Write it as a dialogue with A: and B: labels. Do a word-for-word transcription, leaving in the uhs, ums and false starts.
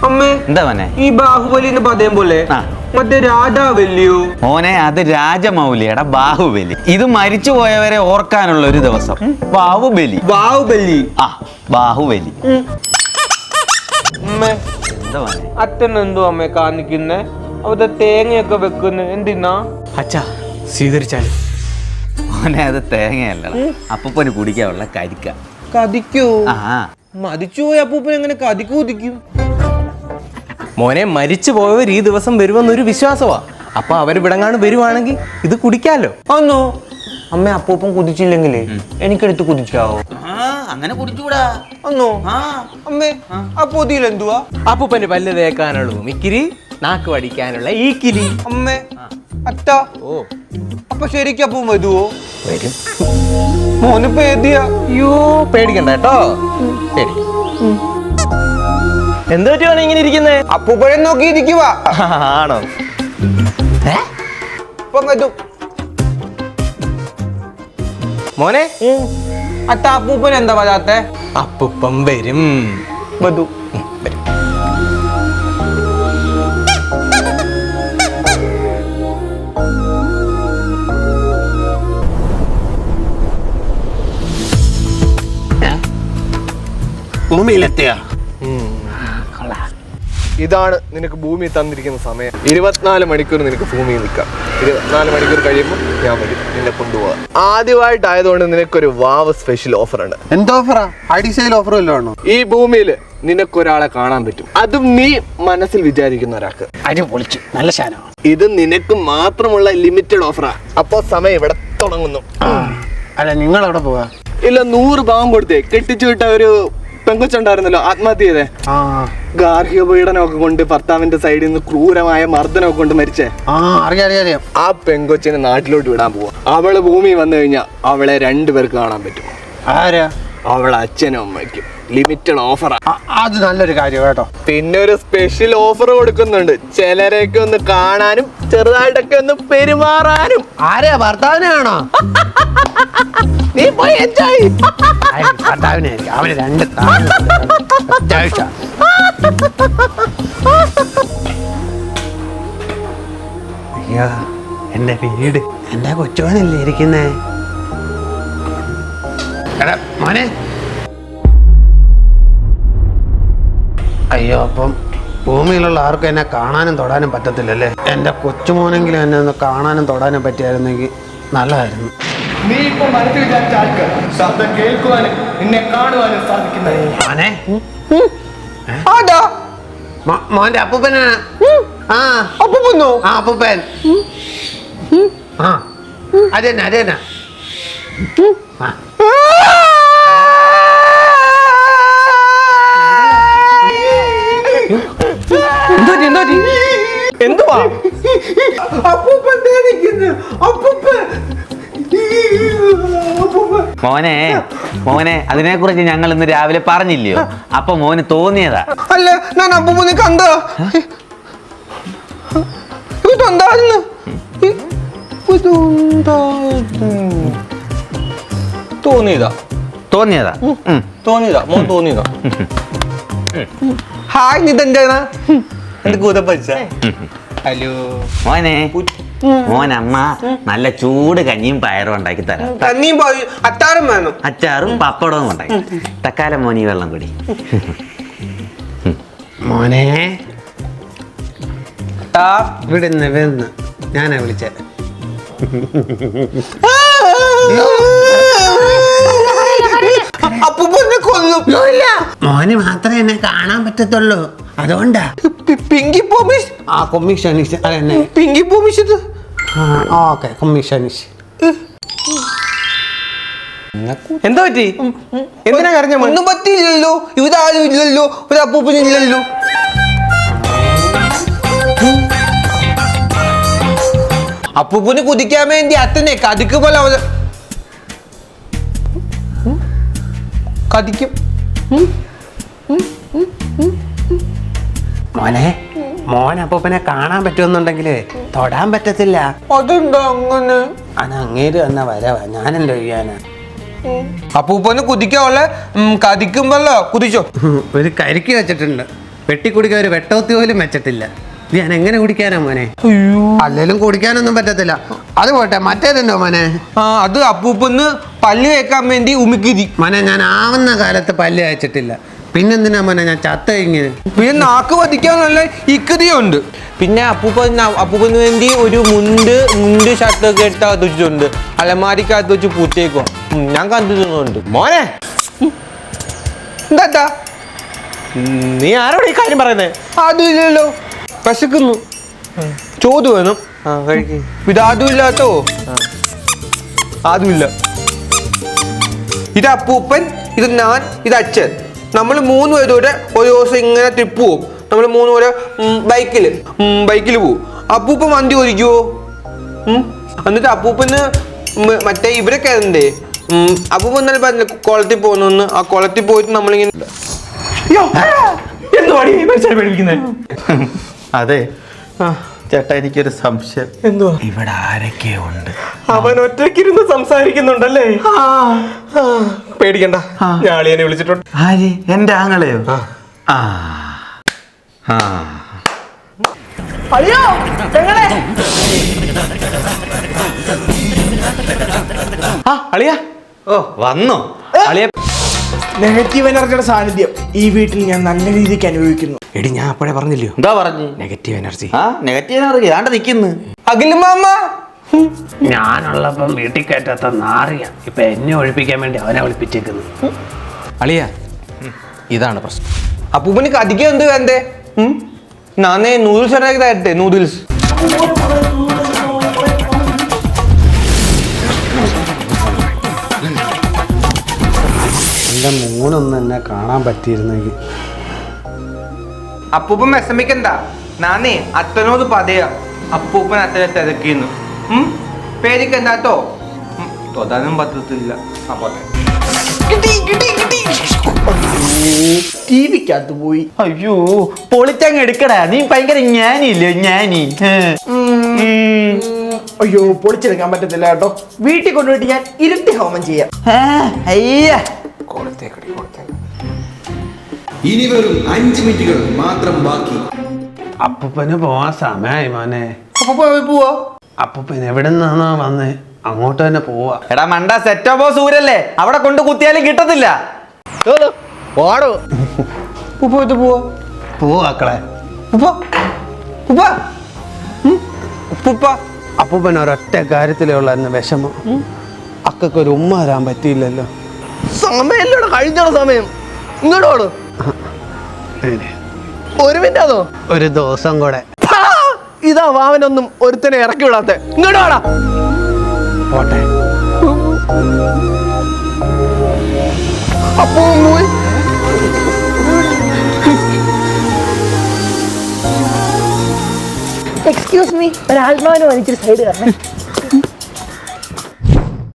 A: എന്താ മോനെ
B: ഈ ബാഹുബലിന്ന് പതയം പോലെ മറ്റേ രാജാവല്ലിയോ
A: മോനെ? അത് രാജമൗലിയുടെ ബാഹുബലി. ഇത് മരിച്ചു പോയവരെ ഓർക്കാനുള്ള ഒരു ദിവസം. ബാഹുബലി
B: ബാഹുബലി
A: ആ ബാഹുബലി.
B: എന്താ മോനെ? അച്ഛൻ എന്തോ അമ്മ കാണിക്കുന്നേ? അവിടെ തേങ്ങയൊക്കെ വെക്കുന്ന എന്തിനാ?
C: അച്ഛാ സ്വീകരിച്ചാലും.
A: മോനെ അത് തേങ്ങയല്ല, അപ്പൂപ്പന് കുടിക്കാനുള്ള കരിക്ക.
B: കതിക്കോ?
A: ആ
B: മരിച്ചു പോയ അപ്പൂപ്പൻ എങ്ങനെ കതിക്ക് കുതിക്കും?
C: മോനെ മരിച്ചു പോയവർ ഈ ദിവസം വരുമെന്നൊരു വിശ്വാസമാ. അപ്പൊ അവര് വിടങ്ങാണ് വരുവാണെങ്കിൽ ഇത് കുടിക്കാലോ.
B: ഒന്നോ അമ്മ അപ്പൂപ്പൻ കുതിച്ചില്ലെങ്കിലേ എനിക്കെടുത്ത് കുതിക്കാവോ?
A: അങ്ങനെ കുടിച്ചൂടാ.
B: ഒന്നോ അമ്മേ ആ പൊതിയിൽ എന്തുവാ?
C: അപ്പൂപ്പന് പല്ല് തേക്കാനുള്ള ഉമിക്കിരി, നാക്ക് വടിക്കാനുള്ള ഈ കിരി.
B: അമ്മേ അത്ത
C: ഓ
B: അപ്പൊ ശരിക്കും അപ്പൂൻ വരുവോ?
C: വരും.
B: മോന് പേടിയാ.
C: അയ്യോ പേടിക്കണ്ട കേട്ടോ. ശരി എന്ത് പറ്റിയാണ് ഇങ്ങനെ ഇരിക്കുന്നേ?
B: അപ്പൂപ്പനെ നോക്കി ഇരിക്കുവാ.
C: ആണോ? മോനെ
B: അത്ത അപ്പൂപ്പൻ എന്താ വരാത്തെ?
C: അപ്പൂപ്പൻ വരും.
B: വധു
C: വരും.
D: ഭൂമിയിലെത്തിയ
E: ഇതാണ് നിനക്ക് ഭൂമി തന്നിരിക്കുന്ന സമയം. ഇരുപത്തിനാല് മണിക്കൂർ നിനക്ക് ഭൂമിയിൽ നിൽക്കാം. ഇരുപത്തിനാല് മണിക്കൂർ കഴിയുമ്പോൾ ഞാൻ വരും നിന്നെ കൊണ്ടുപോകാം. ആദ്യമായിട്ടായതുകൊണ്ട് നിനക്കൊരു വാവ് സ്പെഷ്യൽ ഓഫർ ഉണ്ട്.
D: എന്താ ഓഫറാ? Additional offer വല്ലതാണോ?
E: ഈ ഭൂമിയിൽ നിനക്കൊരാളെ കാണാൻ പറ്റും, അതും നീ മനസ്സിൽ വിചാരിക്കുന്ന ഒരാൾക്ക്.
D: അരി പൊളിച്ചു, നല്ല ശാനോ.
E: ഇത് നിനക്ക് മാത്രമുള്ള ലിമിറ്റഡ് ഓഫറാ. അപ്പോ സമയം ഇവിടെ തുടങ്ങുന്നു.
D: അല്ല നിങ്ങൾ എവിടെ പോവാ?
E: ഇല്ല, നൂറ് പാവം കൊടുത്തേ കെട്ടിച്ചു വിട്ട ഒരു പെങ്കൊച്ചുണ്ടായിരുന്നല്ലോ ആത്മഹത്യ ചെയ്തേ. ഗാർഹിക പീഡനമൊക്കെ കൊണ്ട് ഭർത്താവിന്റെ സൈഡിൽ നിന്ന് ക്രൂരമായ മർദ്ദനമൊക്കെ കൊണ്ട് മരിച്ചേ. ആ പെങ്കൊച്ചിനെ നാട്ടിലോട്ട് വിടാൻ പോവാ. അവള് ഭൂമി വന്നു കഴിഞ്ഞാൽ അവളെ രണ്ടുപേർക്ക് കാണാൻ പറ്റും.
D: ആരാ?
E: അവളെ അച്ഛനും അമ്മയ്ക്കും. ലിമിറ്റഡ് ഓഫറാ.
D: അത് നല്ലൊരു കാര്യം കേട്ടോ.
E: പിന്നെ ഒരു സ്പെഷ്യൽ ഓഫർ കൊടുക്കുന്നുണ്ട്. ചിലരെയൊക്കെ ഒന്ന് കാണാനും ചെറുതായിട്ടൊക്കെ ഒന്ന് പെരുമാറാനും.
D: ആരെയാ? ഭർത്താവിനെയാണോ?
E: നീ പോയി എൻജോയ്.
D: ഭർത്താവിനെ അവന് രണ്ട് അത്യാവശ്യം. അയ്യോ എന്റെ വീട്, എന്റെ കൊച്ചുവനല്ലേ ഇരിക്കുന്നേ. എടാ മോനെ. അയ്യോ അപ്പം ഭൂമിയിലുള്ള ആർക്കും എന്നെ കാണാനും തൊടാനും പറ്റത്തില്ലല്ലേ. എന്റെ കൊച്ചുമോനെങ്കിലും എന്നെ ഒന്ന് കാണാനും തൊടാനും പറ്റിയായിരുന്നെങ്കിൽ നല്ലതായിരുന്നു.
E: നീ ഇപ്പൊ മനസ്സിൽ വിചാരിച്ച ആൾക്ക് ശബ്ദം കേൾക്കുവാനും നിന്നെ കാണുവാനും സാധിക്കുന്നത്.
D: മോനെ
B: ആടാ
D: മോന്റെ അപ്പൂപ്പനാണ്. ആ
B: അപ്പൂപ്പനോ?
D: ആ അപ്പൂപ്പൻ. ആ അതെന്നെ അതെന്നെ.
B: എന്തുവാ അപ്പൂപ്പൻ തേടിക്കുന്നു? അപ്പൂപ്പൻ
A: മോനെ മോനെ അതിനെ കുറിച്ച് ഞങ്ങൾ ഇന്ന് രാവിലെ പറഞ്ഞില്ലയോ? അപ്പൊ മോന് തോന്നിയതാ.
B: അല്ല ഞാൻ അപ്പൂപ്പനെ കണ്ട ഇതെന്തായിരുന്നു? തോന്നിയതാ
A: തോന്നിയതാ
B: തോന്നിയതാ മോൻ തോന്നിയതാ. ഹായ് നിതെന്താ എന്റെ കൂടെ പഠിച്ച? ഹലോ
A: മോനെ. മോനമ്മ നല്ല ചൂട് കഞ്ഞിയും പയറും ഉണ്ടാക്കി തരാം.
B: കഞ്ഞിയും അച്ചാറും വേണം.
A: അച്ചാറും പപ്പടവും ഉണ്ടാക്കി. തക്കാലം മോനി വെള്ളം കൂടി.
D: മോനെ വിടുന്ന് വിടുന്ന് ഞാനാ വിളിച്ചേ.
B: അപ്പൂപ്പനെ കൊല്ലും.
D: മോന് മാത്രമേ എന്നെ കാണാൻ പറ്റത്തുള്ളൂ, അതുകൊണ്ടാ.
B: പിങ്കി പോമിഷ്.
D: ആ കൊമ്മിഷനിഷ് അതെന്നെ
B: പിങ്കി പോമിഷ്.
D: ഓക്കെ കൊമ്മിഷനിഷ്.
C: എന്താ പറ്റി? എന്തിനാ കരഞ്ഞ?
B: ഒന്നും പറ്റിയില്ലല്ലോ. ഇവിടെ ആരും ഇല്ലല്ലോ, ഒരു അപ്പൂപ്പനില്ലല്ലോ. അപ്പൂപ്പന് കുതിക്കാൻ വേണ്ടി അത്തനെ കതിക്ക് പോലെ അവ കതിക്കും.
D: മോനെ മോൻ അപ്പൂപ്പനെ കാണാൻ പറ്റുമെന്നുണ്ടെങ്കിലേ തൊടാൻ പറ്റത്തില്ല.
B: അതെന്താ അങ്ങനെ?
D: അത് അങ്ങേര് തന്നെ വരവാ, ഞാനെന്തോ ചെയ്യാനാ.
B: അപ്പൂപ്പന് കുതിക്കാനുള്ള കതിക്കുമ്പല്ലോ കുതിച്ചോ.
D: ഒരു കരിക്ക് വെച്ചിട്ടുണ്ട്, വെട്ടി കുടിക്കാൻ ഒരു വെട്ടോത്തി പോലും വെച്ചിട്ടില്ല. ഞാൻ എങ്ങനെ കുടിക്കാനാ മോനെ? അല്ലേലും കുടിക്കാനൊന്നും പറ്റത്തില്ല. അത് പോട്ടെ, മറ്റേതുണ്ടോ മോനെ?
B: ആ അത് അപ്പൂപ്പന്ന് പല്ല് കേൾക്കാൻ വേണ്ടി ഉമിക്കിരി.
D: മോനെ ഞാൻ ആവുന്ന കാലത്ത് പല്ല് അയച്ചിട്ടില്ല. പിന്നെന്തിനാ മോനെ ഞാൻ ചത്ത ഇങ്ങനെ?
B: പിന്നെ നാക്ക് പതിക്കാൻ നല്ല ഇക്കതിയുണ്ട്. പിന്നെ അപ്പൂപ്പൻ അപ്പൂപ്പന് വേണ്ടി ഒരു മുണ്ട് മുണ്ട് ഷർട്ടൊക്കെ എടുത്ത് വെച്ചിട്ടുണ്ട്. അലമാരിക്കകത്ത് വെച്ച് പൂത്തേക്കോ ഞാൻ കണ്ടിട്ടുണ്ട്.
C: മോനെ
B: എന്താ
C: നീ ആരോട് ഈ കാര്യം പറയുന്നേ?
B: അതുമില്ലല്ലോ, വിശക്കുന്നു, ചോറ് വേണം. ആ കഴിക്കും. ഇത് അതും ഇല്ലാത്തോ? അതുമില്ല. ഇത് അപ്പൂപ്പൻ, ഇത് ഞാൻ, ഇത് അച്ഛൻ. നമ്മൾ മൂന്ന് പേരോടെ ഒരു ദിവസം ഇങ്ങനെ ട്രിപ്പ് പോകും. നമ്മൾ മൂന്ന് പേരെ ബൈക്കിൽ ബൈക്കിൽ പോവും. അപ്പൂപ്പൻ വണ്ടി ഓടിക്കുവോ? എന്നിട്ട് അപ്പൂപ്പന് മറ്റേ ഇവരൊക്കെ എന്തേ അപ്പൂപ്പൻ എന്നാലും പറഞ്ഞില്ല കുളത്തിൽ പോകുന്നു. ആ കുളത്തിൽ പോയിട്ട് നമ്മളിങ്ങനെ
A: അതെ ചേട്ടാ, എനിക്കൊരു സംശയം.
C: എന്തുവാ?
A: ഇവിടെ ആരൊക്കെയോ ഉണ്ട്.
C: അവൻ ഒറ്റയ്ക്കിരുന്ന് സംസാരിക്കുന്നുണ്ടല്ലേ? പേടിക്കണ്ട, ഞാൻ അളിയനെ വിളിച്ചിട്ടുണ്ട്.
A: ആര്? എന്റെ ആങ്ങളെയോ? ആ ആ
C: ആ അളിയ
A: ഓ വന്നോ?
C: അളിയ
F: നെഗറ്റീവ് എനർജിയുടെ സാന്നിധ്യം ഈ വീട്ടിൽ ഞാൻ നല്ല രീതിക്ക് അനുഭവിക്കുന്നു.
C: എടി ഞാൻ അപ്പോഴേ പറഞ്ഞില്ലയോ
A: എന്താ പറഞ്ഞു?
C: Negative energy.
A: ആ നെഗറ്റീവ് എനർജി ആണ്ട് നിക്കുന്നു.
B: അഖില മാമ
D: ഞാനുള്ളപ്പം വീട്ടിൽ കയറ്റാത്ത നാറിയ ഇപ്പൊ എന്നെ ഒഴിപ്പിക്കാൻ വേണ്ടി അവനെ ഒളിപ്പിച്ചേക്കുന്നു.
C: അളിയ ഇതാണ് പ്രശ്നം.
B: അപ്പൂപ്പന് കടിക്കാൻ എന്ത് വേണ്ടേ? നാനേ നൂഡിൽസ് ഉണ്ടാക്കി തരട്ടെ? നൂഡിൽസ്
D: എൻ്റെ മോനൊന്നും എന്നെ കാണാൻ പറ്റിയിരുന്നെങ്കിൽ.
B: അപ്പൂപ്പൻ വിഷമിക്കണ്ട. നാനേ അത്തനോട് പറയാ അപ്പൂപ്പൻ അത്തനെ തിരക്കിന്ന്. പേടിക്കണ്ടാട്ടോ. തൊടാനും പറ്റത്തില്ല.
F: ടി വിക്കകത്ത് പോയി.
A: അയ്യോ പൊളിച്ചങ്ങ് എടുക്കടാ, നീ ഭയങ്കര ജ്ഞാനില്ലേ? ജ്ഞാനി.
F: അയ്യോ പൊളിച്ചെടുക്കാൻ പറ്റത്തില്ല കേട്ടോ. വീട്ടിൽ കൊണ്ടുപോയിട്ട് ഞാൻ ഇരുട്ടി ഹോമം ചെയ്യാം.
A: അയ്യ
G: ഇനി വെറും അഞ്ച് മിനിറ്റുകൾ മാത്രം ബാക്കി.
D: അപ്പൂപ്പന് പോവാൻ സമയമായി മോനെ.
B: പോവാ.
D: അപ്പൂപ്പൻ എവിടെ നിന്നാണോ വന്നേ അങ്ങോട്ട് തന്നെ പോവാ.
A: എടാ മണ്ട, സെറ്റോ ബോസ് ഊരല്ലേ, അവിടെ കൊണ്ട് കുത്തിയാലും കിട്ടത്തില്ല.
C: ഓടോ
B: ഉപ്പ പോവാ.
D: പോവാക്കളെ.
B: ഉപ്പ ഉപ്പ ഉപ്പ
D: അപ്പൂപ്പൻ ഒരൊറ്റ കാര്യത്തിലേ ഉള്ളായിരുന്നു വിഷമം. അക്കൊക്കെ ഒരു ഉമ്മ തരാൻ പറ്റിയില്ലല്ലോ.
E: സമയല്ലോടെ കഴിഞ്ഞോളൂ. സമയം ഇങ്ങോട്ടോളൂ. ഒരു മിനിറ്റ് അതോ
D: ഒരു ദിവസം കൂടെ
E: ഇതാ വാവനൊന്നും ഒരുത്തനെ ഇറക്കി വിടാത്ത. ഇങ്ങോട്ട് വാടാ.
D: പോട്ടെ.
E: അപ്പോ പോയി.
H: എക്സ്ക്യൂസ് മീ, ഒരു ആത്മാവിനെ വലിച്ചൊരു സൈഡ് കാരണം